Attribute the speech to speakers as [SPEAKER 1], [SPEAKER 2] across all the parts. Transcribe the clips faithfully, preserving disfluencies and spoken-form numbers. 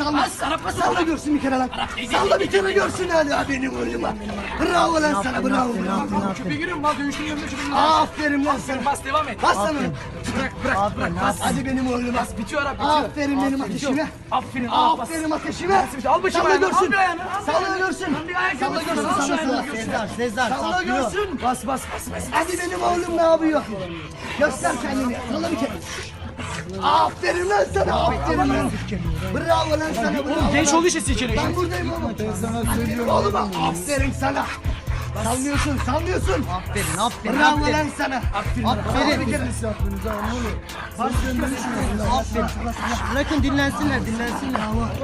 [SPEAKER 1] salla. Salla görsün bir kere lan. Salla bir kere görsün hadi ha benim oğluma. Bravo lan sana, bravo.
[SPEAKER 2] Köpeğe giriyor mu? Mal dövüşünü yanına köpeğe.
[SPEAKER 1] Aferin lan sana.
[SPEAKER 2] Bas devam et.
[SPEAKER 1] Bas sana.
[SPEAKER 2] Bırak bırak bırak bas.
[SPEAKER 1] Hadi benim oğluma.
[SPEAKER 2] Bas bitiyor abi bitiyor.
[SPEAKER 1] Aferin benim ateşime.
[SPEAKER 2] Aferin al bas.
[SPEAKER 1] Aferin ateşime.
[SPEAKER 2] Al başımı
[SPEAKER 1] Salla
[SPEAKER 2] ayağını.
[SPEAKER 1] görsün.
[SPEAKER 2] Al bir ayağını. al bir
[SPEAKER 1] Salla
[SPEAKER 2] ayağını.
[SPEAKER 1] görsün.
[SPEAKER 2] Lan bir ayak
[SPEAKER 1] Salla
[SPEAKER 2] yapıyorsun,
[SPEAKER 1] görsün.
[SPEAKER 2] al şu
[SPEAKER 1] Salla
[SPEAKER 2] ayağını.
[SPEAKER 1] görsün.
[SPEAKER 3] Sezar, Sezar,
[SPEAKER 1] Salla
[SPEAKER 3] saplıyor.
[SPEAKER 1] görsün.
[SPEAKER 2] Bas bas bas bas.
[SPEAKER 1] Hadi benim oğlum ne yapıyor? Göster kendini. Salla bir kere. Aferin lan sana. Aferin lan. Bravo lan sana. Bravo.
[SPEAKER 2] Genç olduğu için silkeliyor.
[SPEAKER 1] Ben buradayım oğlum. Ben sana söylüyorum. Oğlum aferin sana. Sallıyorsun, sallıyorsun.
[SPEAKER 3] Aferin, aferin,
[SPEAKER 1] Bravo
[SPEAKER 3] aferin.
[SPEAKER 1] lan sana.
[SPEAKER 2] Aferin.
[SPEAKER 3] Aferin.
[SPEAKER 1] Bir kere.
[SPEAKER 3] Aferin. Bırakın dinlensinler, dinlensinler.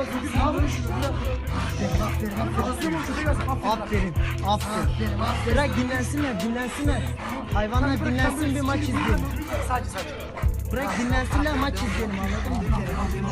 [SPEAKER 3] Aferin, aferin. Bırak dinlensinler, dinlensinler. Hayvanlar dinlensin, bir maç izleyelim.
[SPEAKER 2] Sadece sadece.
[SPEAKER 3] Bırak dinlensinler, maç izleyelim, anladın mı?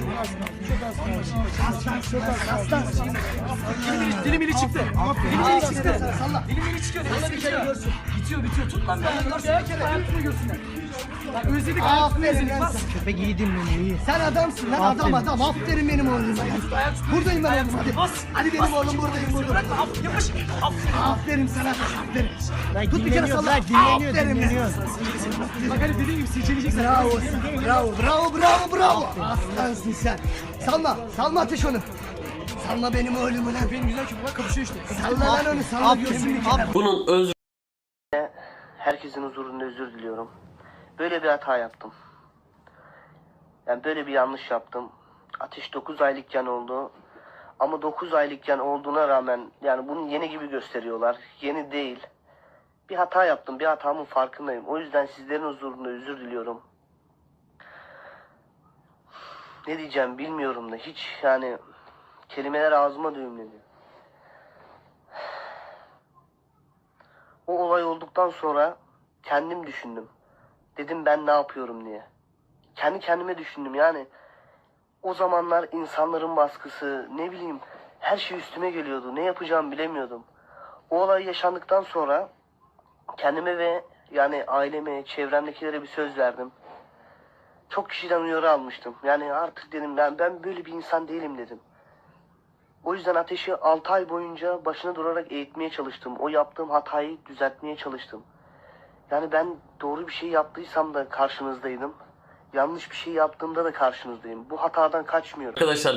[SPEAKER 2] Dilim ili çıktı. Dilim ili çıktı. Dilim ili çıkıyor. Nasıl bitiyor? Bitiyor bitiyor. Tut lan. Bir kere hayatını görsünler. Bak özledik hayatını
[SPEAKER 1] Aferin
[SPEAKER 2] özledik.
[SPEAKER 1] lan
[SPEAKER 2] Bas.
[SPEAKER 1] sana.
[SPEAKER 3] Köpek iyi dinleniyor, iyi.
[SPEAKER 1] Sen adamsın lan, adam adam. Aferin benim oğlum. Buradayım ben oğlum, hadi.
[SPEAKER 2] Bas.
[SPEAKER 1] Hadi benim oğlum buradayım, buradayım.
[SPEAKER 2] Bırakma. af- Yapış. Aferin.
[SPEAKER 1] Aferin sana, aferin.
[SPEAKER 3] Bırak
[SPEAKER 1] Tut bir kere
[SPEAKER 3] dinleniyor,
[SPEAKER 1] salla.
[SPEAKER 3] bırak dinleniyor,
[SPEAKER 1] Aferin
[SPEAKER 3] dinleniyor.
[SPEAKER 2] Bak hani dediğim gibi silkeleyeceksin.
[SPEAKER 1] Bravo, bravo, bravo, bravo, bravo. Aslansın sen. Salma, salma ateş onu. Salma benim oğlumu lan.
[SPEAKER 2] Benim güzel köpeğim kapışıyor işte.
[SPEAKER 1] Salla lan onu, salla görsün bir kere.
[SPEAKER 4] Bunun öz herkesin huzurunda özür diliyorum. Böyle bir hata yaptım. Yani böyle bir yanlış yaptım. Ateş dokuz aylıkken oldu. Ama dokuz aylıkken olduğuna rağmen yani bunu yeni gibi gösteriyorlar. Yeni değil. Bir hata yaptım. Bir hatamın farkındayım. O yüzden sizlerin huzurunda özür diliyorum. Ne diyeceğim bilmiyorum da hiç yani kelimeler ağzıma düğümledi. O olay olduktan sonra kendim düşündüm. Dedim ben ne yapıyorum diye. Kendi kendime düşündüm yani. O zamanlar insanların baskısı, ne bileyim her şey üstüme geliyordu. Ne yapacağımı bilemiyordum. O olay yaşandıktan sonra kendime ve yani aileme, çevremdekilere bir söz verdim. Çok kişiden uyarı almıştım. Yani artık dedim ben ben böyle bir insan değilim dedim. O yüzden Ateş'i altı ay boyunca başına durarak eğitmeye çalıştım. O yaptığım hatayı düzeltmeye çalıştım. Yani ben doğru bir şey yaptıysam da karşınızdaydım. Yanlış bir şey yaptığımda da karşınızdayım. Bu hatadan kaçmıyorum.
[SPEAKER 5] Arkadaşlar